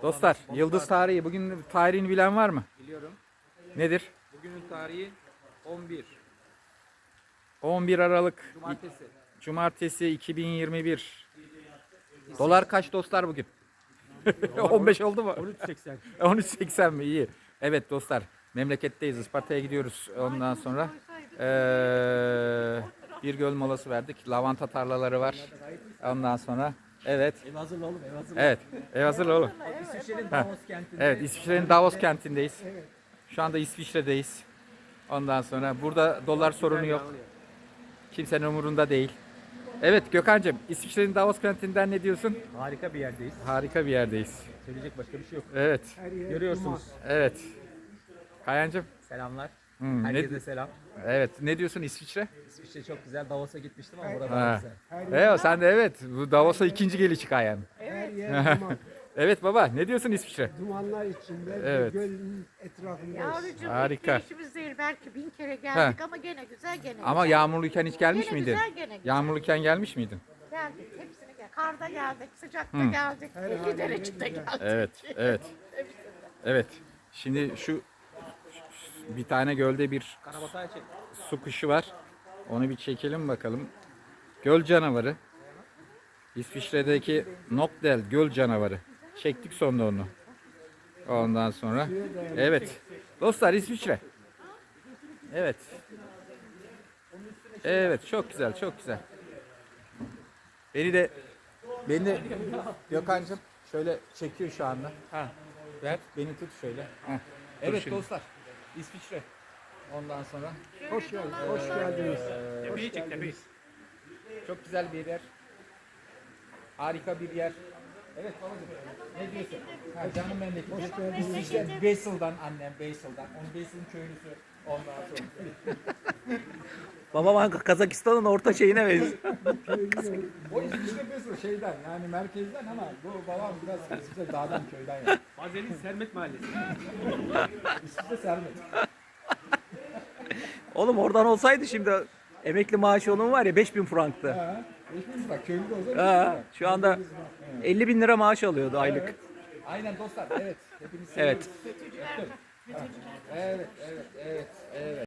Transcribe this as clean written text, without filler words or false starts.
Dostlar, yıldız tarihi. Bugün tarihini bilen var mı? Biliyorum. Nedir? Bugünün tarihi 11. 11 Aralık Cumartesi. Cumartesi 2021. Dolar kaç dostlar bugün? 15 oldu mu? 13.80. 13.80 mi? İyi. Evet dostlar, memleketteyiz. Isparta'ya gidiyoruz. Ondan sonra bir göl molası verdik. Lavanta tarlaları var. Ondan sonra evet. Ev hazırla oğlum, ev hazırla. Evet. Hazır oğlum. İsviçre'nin Ha. Davos kentinde. Evet, İsviçre'nin Davos kentindeyiz. Şu anda İsviçre'deyiz. Ondan sonra burada dolar sorunu yok. Kimsenin umurunda değil. Evet Gökhan'cığım, İsviçre'nin Davos kentinden ne diyorsun? Harika bir yerdeyiz. Harika bir yerdeyiz. Söyleyecek başka bir şey yok. Evet. Görüyorsunuz. Evet. Kayancığım. Selamlar. Hmm, Herkese selam. Evet. Ne diyorsun İsviçre? İsviçre çok güzel. Davos'a gitmiştim ama burada Ha. daha güzel. Evet, sen de evet. Bu Davos'a ikinci gelişi Kayan. Her yer duman. Evet baba, ne diyorsun İsviçre? Dumanlar içinde Evet. gölün etrafındayız. Yavrucuğum Harika. hiç işimiz değil. Belki 1000 kere geldik ama gene güzel gene Ama güzel. yağmurluyken hiç gelmiş Gene miydin? güzel, gene güzel. Yağmurluyken gelmiş miydin? Geldik hepsini gel. Karda geldik, sıcakta geldik, 50 derecede geldik. Evet, evet. Evet. Şimdi şu bir tane gölde bir Karabatay çek. su kuşu var. Onu bir çekelim bakalım. Göl canavarı. İsviçre'deki Nokdel göl canavarı. Çektik sonunda onu. Ondan sonra. Evet. Dostlar İsviçre. Evet. Evet, çok güzel, çok güzel. Beni de Gökhan'cığım şöyle çekiyor şu anda. Ha. Ver, beni tut şöyle. Heh. Evet dostlar. İsviçre. Ondan sonra Hoş geldiniz. Hoş geldiniz. Tepeyi çek, tepeyi. çok güzel bir yer. Harika bir yer. Evet babacığım. Ne diyorsun? Ha, canım memleketim. İsviçre Basel'dan annem Basel'dan. Onun Basel'in köylüsü. Ondan sonra. Babam Kazakistan'ın orta şeyine benziyor. O İsviçre Basel şeyden yani merkezden ama bu babam biraz İsviçre dağdan köyden yani. Bazel'in Sermet Mahallesi. İsviçre Sermet. Oğlum oradan olsaydı şimdi emekli maaşı onun var ya 5000 franktı. Ha. Geçmiş bak köylü de o zaman. Ha, şu anda 50 bin lira maaş alıyordu aylık. Aynen dostlar. Evet. Hepiniz Evet. seviyoruz. Evet, evet, evet, evet.